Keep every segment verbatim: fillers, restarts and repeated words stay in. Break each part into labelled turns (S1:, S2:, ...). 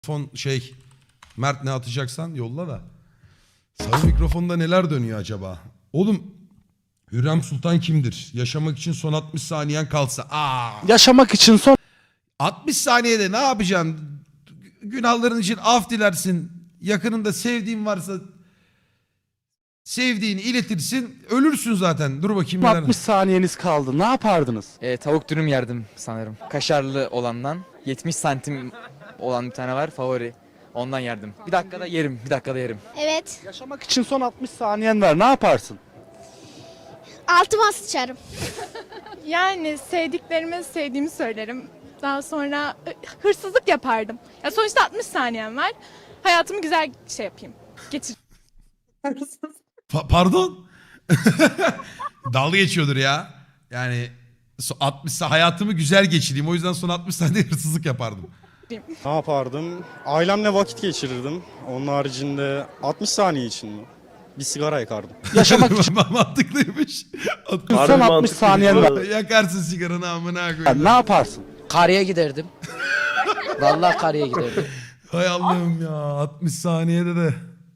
S1: Mikrofon şey Mert ne atacaksan yolla da. Sarı mikrofonda neler dönüyor acaba? Oğlum Hürrem Sultan kimdir? Yaşamak için son altmış saniyen kalsa. Aa.
S2: Yaşamak için son
S1: altmış saniyede ne yapacaksın? Günahların için af dilersin. Yakınında sevdiğin varsa sevdiğini iletirsin. Ölürsün zaten. Dur bakayım. neler-
S2: altmış saniyeniz kaldı. Ne yapardınız?
S3: E, tavuk dürüm yerdim sanırım. Kaşarlı olandan. yetmiş santim olan bir tane var favori. Ondan yerdim. Bir dakikada yerim. Bir dakikada yerim.
S4: Evet.
S2: Yaşamak için son altmış saniyen var. Ne yaparsın?
S4: Altıma sıçarım.
S5: Yani sevdiklerime sevdiğimi söylerim. Daha sonra e, hırsızlık yapardım. Ya sonuçta altmış saniyem var. Hayatımı güzel şey yapayım. Geçir.
S1: Pa- pardon? Dalga geçiyordur ya. Yani so- altmış sa- hayatımı güzel geçireyim. O yüzden son altmış saniyede hırsızlık yapardım.
S6: Ne yapardım? Ailemle vakit geçirirdim. Onun haricinde altmış saniye için mi? Bir sigara yakardım.
S2: Yaşamak için
S1: Mantıklıymış.
S2: son altmış saniyen var.
S1: Yakarsın sigaranı amına koyayım.
S2: Ne yaparsın?
S7: Karıya giderdim. Vallahi karıya giderdim.
S1: Hay Allah'ım ya. altmış saniyede de.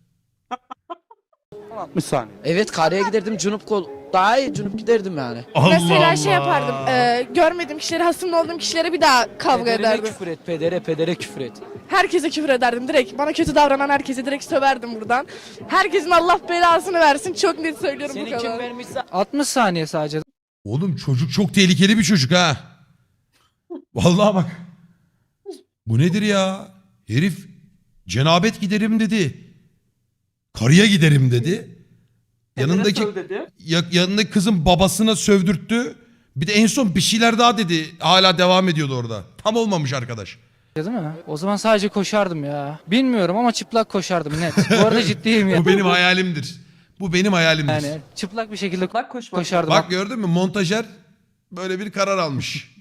S2: Son altmış saniye.
S7: Evet karıya giderdim. Cunup kol daha iyi cunup giderdim yani.
S1: Allah
S5: Mesela
S1: Allah.
S5: şey yapardım. e, görmediğim kişilere, hasımlı olduğum kişilere bir daha kavga
S7: Pedere
S5: ederdim.
S7: küfür et, pedere pedere küfür et.
S5: Herkese küfür ederdim direkt. Bana kötü davranan herkese direkt söverdim buradan. Herkesin Allah belasını versin. Çok net söylüyorum bu
S7: Seni kim
S5: kadar.
S7: vermişse altmış saniye sadece.
S1: Oğlum çocuk çok tehlikeli bir çocuk ha. Vallahi bak. Bu nedir ya? Herif cenabet giderim dedi. Karıya giderim dedi. Yanındaki ya- yanındaki kızın babasına sövdürttü. Bir de en son bir şeyler daha dedi. Hala devam ediyordu orada. Tam olmamış arkadaş.
S8: Değil mi? O zaman sadece koşardım ya. Bilmiyorum ama çıplak koşardım net. Bu arada ciddiyim ya.
S1: Bu benim hayalimdir. Bu benim hayalimdir.
S8: Yani çıplak bir şekilde koşardım.
S1: Bak gördün mü montajer böyle bir karar almış.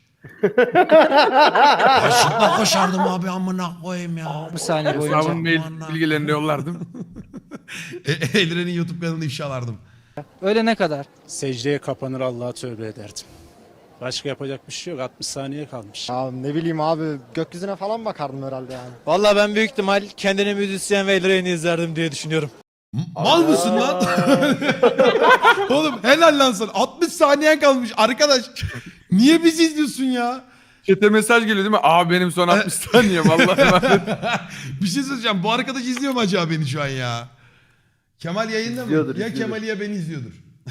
S1: Çıplak koşardım abi amına koyayım ya.
S8: Bir saniye boyunca.
S9: Hesabın mail bilgilerini yollardım.
S1: E- Elren'in YouTube kanalını ifşalardım.
S8: Öyle ne kadar?
S6: Secdeye kapanır Allah'a tövbe ederdim. Başka yapacak bir şey yok. altmış saniye kalmış.
S10: Ya ne bileyim abi gökyüzüne falan bakardım herhalde yani.
S7: Vallahi ben büyük ihtimal kendini müzisyen ve Elren'i izlerdim diye düşünüyorum.
S1: M- Mal mısın lan? Oğlum helal lan sana. altmış saniyen kalmış arkadaş. Niye bizi izliyorsun ya?
S9: Çete mesaj geliyor değil mi? Abi benim son altmış saniye vallahi.
S1: Bir şey söyleyeceğim. Bu arkadaş izliyor mu acaba beni şu an ya? Kemal yayında mı?
S9: İzliyordur,
S1: Ya
S9: izliyordur.
S1: Kemal ya beni izliyordur.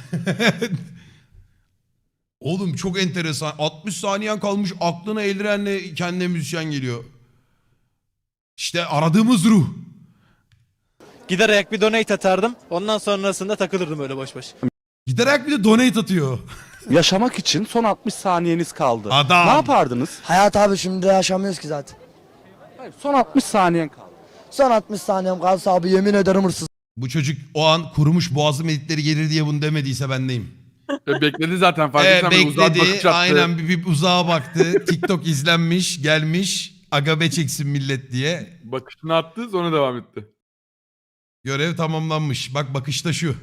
S1: Oğlum çok enteresan. altmış saniyen kalmış aklına Elren'le kendine müzisyen geliyor. İşte aradığımız ruh.
S7: Giderek bir donate atardım. Ondan sonrasında takılırdım öyle boş boş.
S1: Giderek bir de donate atıyor.
S2: Yaşamak için son altmış saniyeniz kaldı.
S1: Adam.
S2: Ne yapardınız?
S10: Hayat abi şimdi yaşamıyoruz ki zaten.
S2: Hayır, son altmış saniyen kaldı.
S10: Son altmış saniyem kalsa abi yemin ederim hırsız.
S1: Bu çocuk o an kurumuş boğazım editleri gelir diye bunu demediyse ben neyim?
S9: Bekledi zaten fark
S1: Ee,
S9: etsen böyle uzak bakış
S1: bekledi.
S9: attı.
S1: Aynen bir, bir uzağa baktı. TikTok izlenmiş, gelmiş. Agabe çeksin millet diye.
S9: Bakışını attı sonra devam etti.
S1: Görev tamamlanmış. Bak bakışta şu.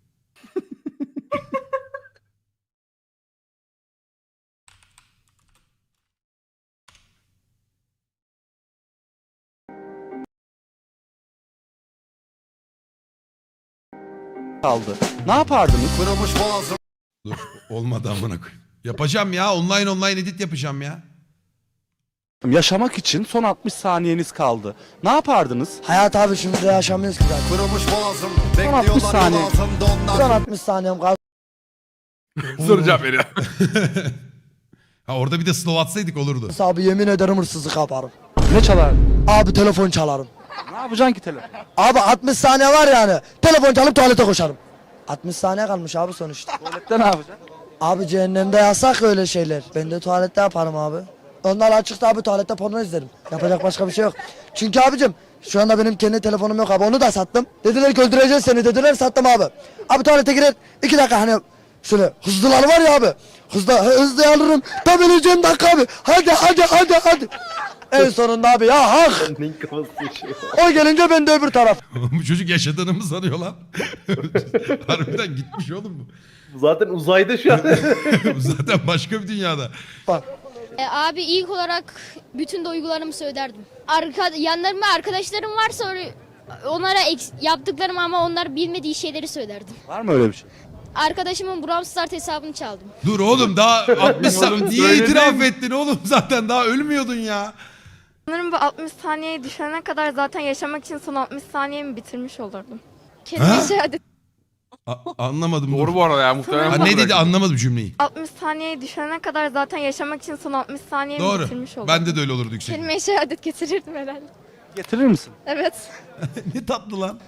S2: Kaldı. Ne yapardınız?
S1: Dur olmadı amına koyayım. Yapacağım ya online online edit yapacağım ya.
S2: Yaşamak için son altmış saniyeniz kaldı. Ne yapardınız?
S10: Hayat abi şimdi yaşamıyoruz ki zaten.
S2: Son altmış saniye.
S10: Son altmış saniyem kalsa
S9: Soru cevap veriyor.
S1: Ha orada bir de slow atsaydık olurdu.
S10: abi yemin ederim hırsızlık yaparım.
S2: Ne çalar?
S10: Abi telefon çalarım.
S2: Ne yapacaksın ki telefon?
S10: Abi altmış saniye var yani. Telefon çalıp tuvalete koşarım. altmış saniye kalmış abi sonuçta.
S2: Tuvalette ne yapacaksın?
S10: Abi cehennemde yasak öyle şeyler. Ben de tuvalette yaparım abi. Onlar açıkta abi tuvalette porno izlerim. Yapacak başka bir şey yok. Çünkü abicim şu anda benim kendi telefonum yok abi. Onu da sattım. Dediler ki öldüreceğiz seni dediler sattım abi. Abi tuvalete girer iki dakika hani şöyle hızlılar var ya abi. Hızlı hızlı alırım. Tam öleceğim dakika abi. Hadi hadi hadi hadi. En sonunda abi ya hak. O gelince ben de öbür taraf.
S1: Bu çocuk yaşadığını mı sanıyor lan? Harbiden gitmiş oğlum bu.
S11: Zaten uzayda şu an.
S1: Bu zaten başka bir dünyada.
S10: Bak
S4: E, abi ilk olarak bütün duygularımı söylerdim. Arka, yanlarımda arkadaşlarım varsa or- onlara eks- yaptıklarım ama onlar bilmediği şeyleri söylerdim.
S2: Var mı öyle bir şey?
S4: Arkadaşımın Brawl Stars hesabını çaldım.
S1: Dur oğlum daha altmış
S9: Oğlum,
S1: sa- niye
S9: söyledin.
S1: itiraf ettin oğlum zaten daha ölmüyordun ya.
S5: Sanırım bu altmış saniyeyi düşene kadar zaten yaşamak için son altmış saniyemi bitirmiş olurdum.
S4: Kelime şehadet.
S1: A- anlamadım.
S9: Doğru
S1: dur.
S9: bu arada ya muhtemelen.
S1: Ha, ne dedi anlamadım cümleyi.
S5: altmış saniyeyi düşene kadar zaten yaşamak için son altmış saniyemi
S1: Doğru.
S5: bitirmiş olurdum.
S1: Bende de öyle olurdu yüksek.
S4: Kelime şehadet getirirdim herhalde.
S2: Getirir misin?
S4: Evet.
S1: Ne tatlı lan.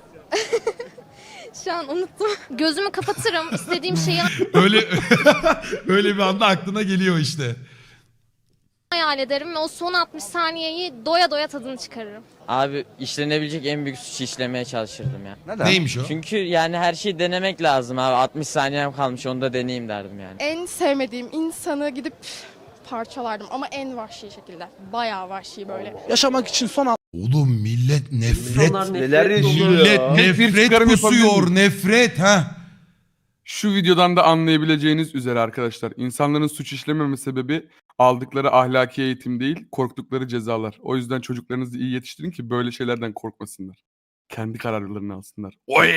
S4: Şu an unuttum. Gözümü kapatırım. İstediğim şeyi
S1: Öyle öyle bir anda aklına geliyor işte.
S4: hayal ederim ve o son altmış saniyeyi doya doya tadını çıkarırım.
S3: Abi işlenebilecek en büyük suçu işlemeye çalışırdım ya.
S2: Neden?
S1: Neymiş o?
S3: Çünkü yani her şeyi denemek lazım abi. altmış saniyem kalmış onu da deneyeyim derdim yani.
S5: En sevmediğim insanı gidip parçalardım ama en vahşi şekilde. Bayağı vahşi böyle.
S2: Yaşamak için son
S1: Oğlum millet nefret.
S9: Neler
S1: Millet nefret
S9: çıkarım
S1: kusuyor.
S9: yapabilir miyim?
S1: Nefret ha.
S9: Şu videodan da anlayabileceğiniz üzere arkadaşlar. İnsanların suç işlememe sebebi aldıkları ahlaki eğitim değil, korktukları cezalar. O yüzden çocuklarınızı iyi yetiştirin ki böyle şeylerden korkmasınlar. Kendi kararlarını alsınlar. Oy!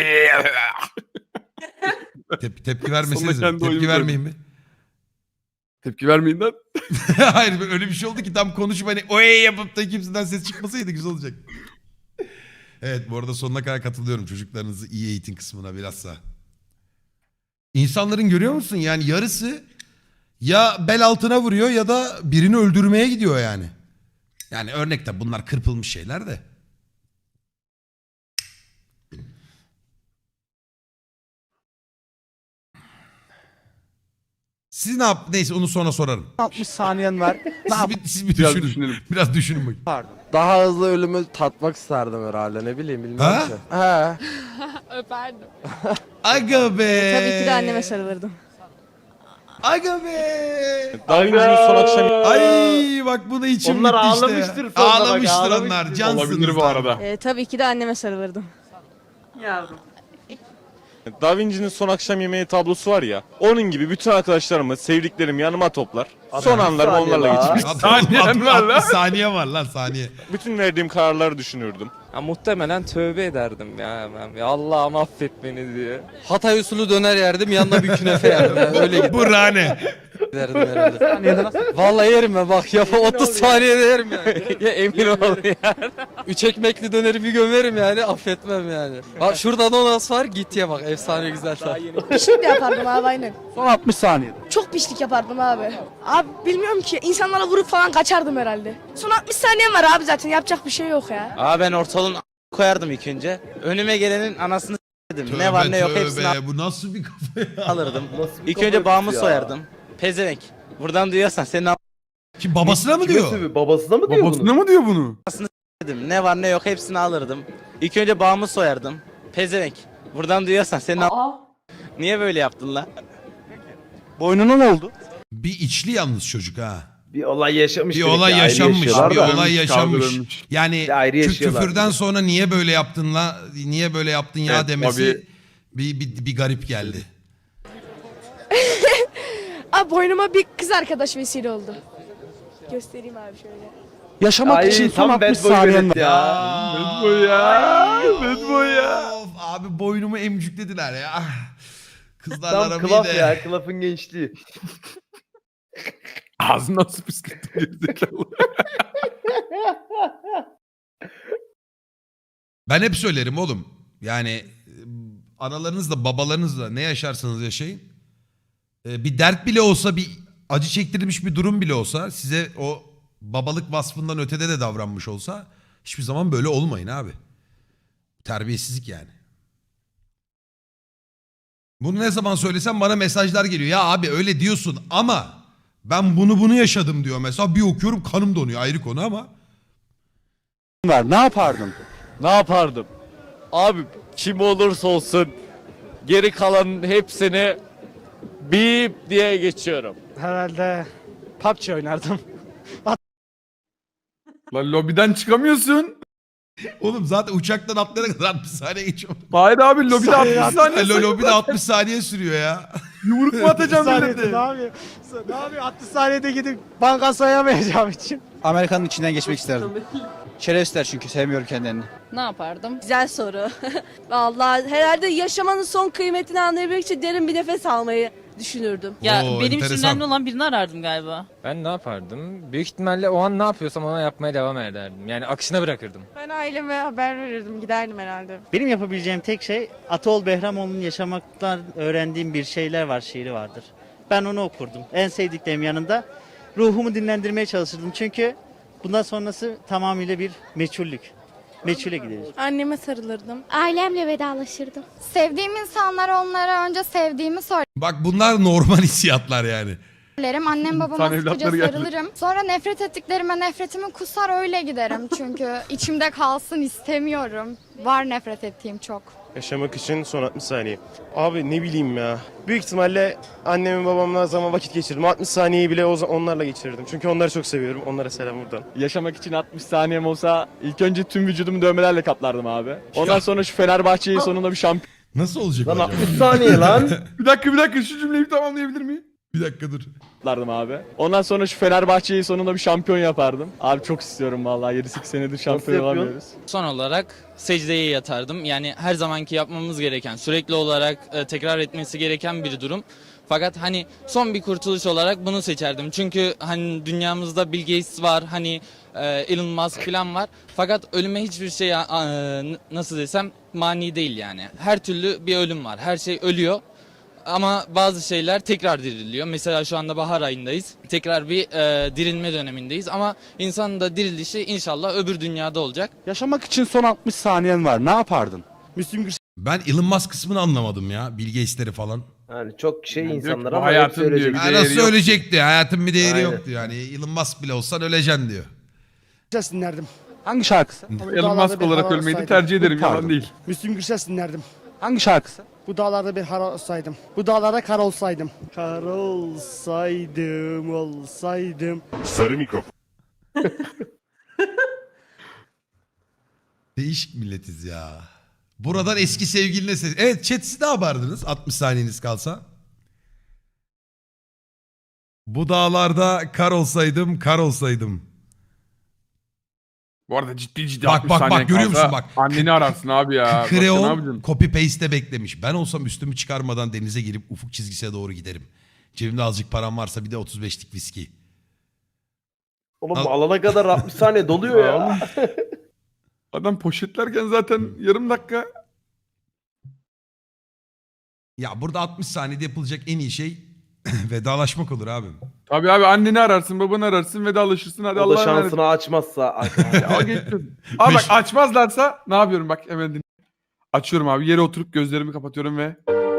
S1: Tep- tepki vermeseniz.
S9: Sonra kendi
S1: Tepki
S9: oyunu
S1: vermeyin mi?
S9: Tepki vermeyin lan.
S1: Hayır öyle bir şey oldu ki tam konuşup hani oy yapıp da kimseden ses çıkmasaydı güzel olacak. Evet bu arada sonuna kadar katılıyorum çocuklarınızı iyi eğitim kısmına bilhassa. İnsanların görüyor musun yani yarısı ya bel altına vuruyor ya da birini öldürmeye gidiyor yani. Yani örnekte bunlar kırpılmış şeyler de. Siz ne yap? Neyse onu sonra sorarım.
S2: altmış saniyen var. Ne
S1: Siz bir, siz bir
S9: Biraz
S1: düşünün.
S9: düşünelim.
S1: Biraz düşünün bakayım.
S2: yapardın?
S11: Daha hızlı ölümü tatmak isterdim herhalde ne bileyim bilmem
S1: Ha?
S11: ki. He.
S5: Öperdim.
S1: Aga be.
S5: Tabii ki de anneme sarılırdım.
S1: Aga be.
S7: Daha Vinci'nin son akşam
S1: Ay bak bu da içim
S7: Onlar
S1: gitti işte.
S7: ağlamıştır sonra bak,
S1: Ağlamıştır
S7: ağlamıştır.
S1: onlar. Cansınız.
S9: Olabilir bu arada.
S5: Ee, tabii ki de anneme sarılırdım.
S7: Da Vinci'nin son akşam yemeği tablosu var ya. Onun gibi bütün arkadaşlarımı, sevdiklerimi yanıma toplar. Son anlarımı
S11: saniye
S7: onlarla
S11: daha.
S7: geçirmek.
S1: Saniye var lan. Saniye var lan saniye.
S7: Bütün verdiğim kararları düşünürdüm.
S11: Ya, muhtemelen tövbe ederdim ya ben. Ya Allah'ım affet beni diye. Hatay usulü döner yerdim yanına bir künefe yerdim. Yani öyle
S1: Burhane.
S11: giderdim herhalde. Vallahi yerim ben bak ya otuz saniyede yerim yani. Ya emin ol ya. Üç ekmekli döneri bir gömerim yani affetmem yani. Bak şurada donas var git ye bak efsane güzel tat.
S5: Pişlik de yapardım abi aynen.
S2: Son altmış saniyede.
S5: Çok pişlik yapardım abi. Abi bilmiyorum ki insanlara vurup falan kaçardım herhalde. Son altmış saniyem var abi zaten yapacak bir şey yok ya.
S11: Aa ben ortalığın koyardım ilk önce. Önüme gelenin anasını s**tim.
S1: Tövbe,
S11: Ne var ne yok
S1: tövbe.
S11: hepsini
S1: Bu nasıl bir kafa ya?
S11: alırdım. İlk önce bağımı soyardım. Pezevenk. Buradan duyuyorsan senin a*****
S1: Kim babasına mı diyor?
S11: babasına mı
S9: Babasına mı diyor bunu?
S11: dedim. Ne var ne yok hepsini alırdım. İlk önce bağımı soyardım. Pezevenk. Buradan duyuyorsan senin a***** Niye böyle yaptın lan?
S2: Boynuna ne oldu?
S1: Bir içli yalnız çocuk ha.
S11: Bir olay yaşamış.
S1: Bir olay yaşanmış. Bir olay yaşanmış.
S9: Kaldırılmış.
S1: Yani
S11: ayrı
S1: kü-
S11: yaşıyorlar.
S1: küfürden sonra niye böyle yaptın la? Niye böyle yaptın ya
S9: Evet,
S1: demesi bir, bir, bir garip geldi.
S5: Abi boynuma bir kız arkadaş vesile oldu. Göstereyim abi şöyle.
S2: Yaşamak için son altmış saniyen var.
S9: Bad boy ya. Bad boy ya.
S1: Of, abi boynumu emcüklediler ya. Kızlarla aram iyi de.
S11: klafın gençliği.
S9: Ağzından su püskürttüm gerizekalı.
S1: Ben hep söylerim oğlum. Yani e, analarınızla babalarınızla ne yaşarsanız yaşayın. E, Bir dert bile olsa bir acı çektirilmiş bir durum bile olsa size o babalık vasfından ötede de davranmış olsa hiçbir zaman böyle olmayın abi. Terbiyesizlik yani. Bunu ne zaman söylesem bana mesajlar geliyor. Ya abi öyle diyorsun ama ben bunu bunu yaşadım diyor mesela. Bir okuyorum kanım donuyor ayrı konu ama.
S2: Var. Ne yapardın?
S7: Ne yapardım? Abi kim olursa olsun geri kalanın hepsini bip diye geçiyorum.
S6: Herhalde P U B G oynardım.
S9: Lan lobiden çıkamıyorsun.
S1: Oğlum zaten uçaktan atlayana kadar altmış saniye geçiyor.
S9: Hayır abi lobide altmış saniye.
S1: Lo- Lobide altmış saniye sürüyor ya.
S9: Yumruk mu atacağım millete?
S6: Ne yapıyor? Ne yapıyor? altmış saniyede gidip banka soyamayacağım için.
S11: Amerika'nın içinden geçmek isterdim. Şerefsizler çünkü sevmiyorum kendilerini.
S5: Ne yapardım?
S12: Güzel soru. Vallahi herhalde yaşamanın son kıymetini anlayabilmek için derin bir nefes almayı düşünürdüm.
S1: Ya Oo, benim için enteresan. önemli
S3: olan birini arardım galiba.
S11: Ben ne yapardım? Büyük ihtimalle o an ne yapıyorsam ona yapmaya devam ederdim. Yani akışına bırakırdım.
S5: Ben aileme haber verirdim. Giderdim herhalde.
S11: Benim yapabileceğim tek şey Ataol Behramoğlu'nun yaşamaktan öğrendiğim bir şeyler var şiiri vardır. Ben onu okurdum. En sevdiklerim yanında ruhumu dinlendirmeye çalışırdım. Çünkü bundan sonrası tamamıyla bir meçhullük. Meçhule gideriz.
S5: Anneme sarılırdım.
S4: Ailemle vedalaşırdım.
S5: Sevdiğim insanlara onlara önce sevdiğimi
S1: Bak bunlar normal hissiyatlar yani.
S5: söylerim. Annem babama
S9: İnsan
S5: sıkıca
S9: evlatları geldi.
S5: sarılırım. Sonra nefret ettiklerime nefretimi kusar öyle giderim. Çünkü içimde kalsın istemiyorum. Var nefret ettiğim çok.
S6: Yaşamak için son altmış saniye. Abi ne bileyim ya. Büyük ihtimalle annemin babamla zaman vakit geçirdim. altmış saniyeyi bile o zaman onlarla geçirirdim. Çünkü onları çok seviyorum. Onlara selam buradan.
S7: Yaşamak için altmış saniyem olsa ilk önce tüm vücudumu dövmelerle kaplardım abi. Ondan sonra şu Fenerbahçe'yi sonunda bir şampiyon
S1: Nasıl olacak acaba?
S6: saniye lan.
S9: Bir dakika bir dakika şu cümleyi tamamlayabilir miyim?
S1: Bir dakika dur.
S7: yaplardım abi. Ondan sonra şu Fenerbahçe'yi sonunda bir şampiyon yapardım. Abi çok istiyorum vallahi yedi sekiz senedir şampiyon olamıyoruz.
S3: Son olarak secdeye yatardım. Yani her zamanki yapmamız gereken, sürekli olarak e, tekrar etmesi gereken bir durum. Fakat hani son bir kurtuluş olarak bunu seçerdim. Çünkü hani dünyamızda Bill Gates var, hani e, Elon Musk falan var. Fakat ölüme hiçbir şey e, nasıl desem mani değil yani. Her türlü bir ölüm var. Her şey ölüyor. Ama bazı şeyler tekrar diriliyor. Mesela şu anda bahar ayındayız. Tekrar bir e, dirilme dönemindeyiz. Ama insanın da dirilişi inşallah öbür dünyada olacak.
S2: Yaşamak için son altmış saniyen var. Ne yapardın?
S6: Müslüm
S1: Ben Elon Musk kısmını anlamadım ya. Bill Gates'leri falan.
S6: Yani çok şey
S9: Yani
S6: insanlar
S9: diyor ki,
S6: ama
S9: bu hayatın
S6: hepsi
S9: diyor,
S6: ölecek.
S9: bir
S1: Ha,
S9: değeri
S1: nasıl
S9: yok.
S1: ölecekti? Hayatın bir değeri
S6: Aynen.
S1: yoktu yani. Elon Musk bile olsan öleceksin diyor.
S6: Gürses dinlerdim.
S2: Hangi şarkısı?
S9: Elon Musk olarak ölmeyi de tercih ederim yalan
S2: Pardon.
S9: değil.
S6: Müslüm Gürses dinlerdim.
S2: Hangi şarkısı?
S6: Bu dağlarda bir har olsaydım. Bu dağlarda kar olsaydım. Kar olsaydım, olsaydım.
S7: Sarı mikrofon.
S1: Değişik milletiz ya. Buradan eski sevgiline ses. Evet chat siz ne yapardınız altmış saniyeniz kalsa? Bu dağlarda kar olsaydım, kar olsaydım.
S9: Bu arada ciddi ciddi
S1: Bak,
S9: altmış
S1: bak, bak,
S9: saniyen
S1: görüyor
S9: kalsa
S1: musun bak?
S9: Anneni ararsın abi ya. Başka ne
S1: Kreon
S9: yapacaksın?
S1: copy paste'te beklemiş. Ben olsam üstümü çıkarmadan denize girip ufuk çizgisine doğru giderim. Cebimde azıcık param varsa bir de otuz beşlik viski.
S6: Oğlum
S1: Al-
S6: alana kadar altmış saniye doluyor ya.
S9: Adam poşetlerken zaten yarım dakika.
S1: Ya burada altmış saniyede yapılacak en iyi şey vedalaşmak olur abi.
S9: Tabii abi anneni ararsın, babanı ararsın, vedalaşırsın. Hadi
S6: O da
S9: Allah'a emanet.
S6: şansını açmazsa.
S9: Ya, o geçsin. Abi bak
S1: Beş-
S9: açmazlarsa ne yapıyorum bak hemen dinle. Açıyorum abi yere oturup gözlerimi kapatıyorum ve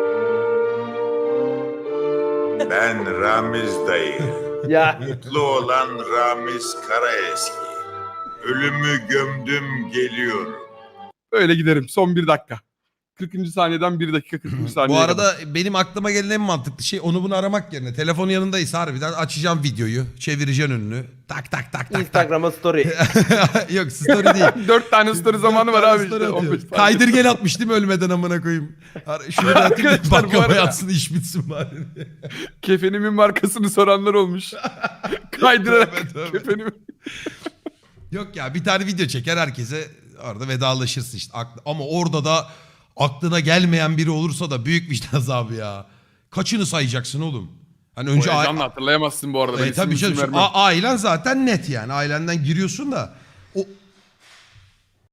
S7: Ben Ramiz dayı.
S6: ya.
S7: Mutlu olan Ramiz Karaeski. Ölümü gömdüm geliyorum.
S9: öyle giderim son bir dakika. kırkıncı saniyeden bir dakika kırkıncı saniye.
S1: Bu arada benim aklıma gelen en mantıklı şey onu bunu aramak yerine telefonun yanındaysa harbiden açacağım videoyu, çevireceksin önünü. Tak tak tak tak.
S6: Instagram'a story.
S1: tak. Yok story değil.
S9: dört tane story zamanı var abi işte.
S1: Story
S9: on beş
S1: atıyor.
S9: saniye.
S1: Kaydır gel atmış değil mi ölmeden amına koyayım. Ar- Şunu da atayım da
S9: Arkadaşlar, bu
S1: bakmaya
S9: arada-
S1: yatsın iş bitsin bari.
S9: Kefenimin markasını soranlar olmuş. Kaydırarak
S1: Tövbe, tövbe.
S9: kefenimi.
S1: Yok ya bir tane video çeker herkese orada vedalaşırsın işte. Aklı- Ama orada da aklına gelmeyen biri olursa da büyük vicdan azabı ya. Kaçını sayacaksın oğlum? Hani önce
S9: O
S1: a-
S9: heyecanla hatırlayamazsın bu arada. Ben
S1: E,
S9: isim
S1: tabii
S9: isim
S1: canım.
S9: vermem.
S1: A- ailen zaten net yani. Ailenden giriyorsun da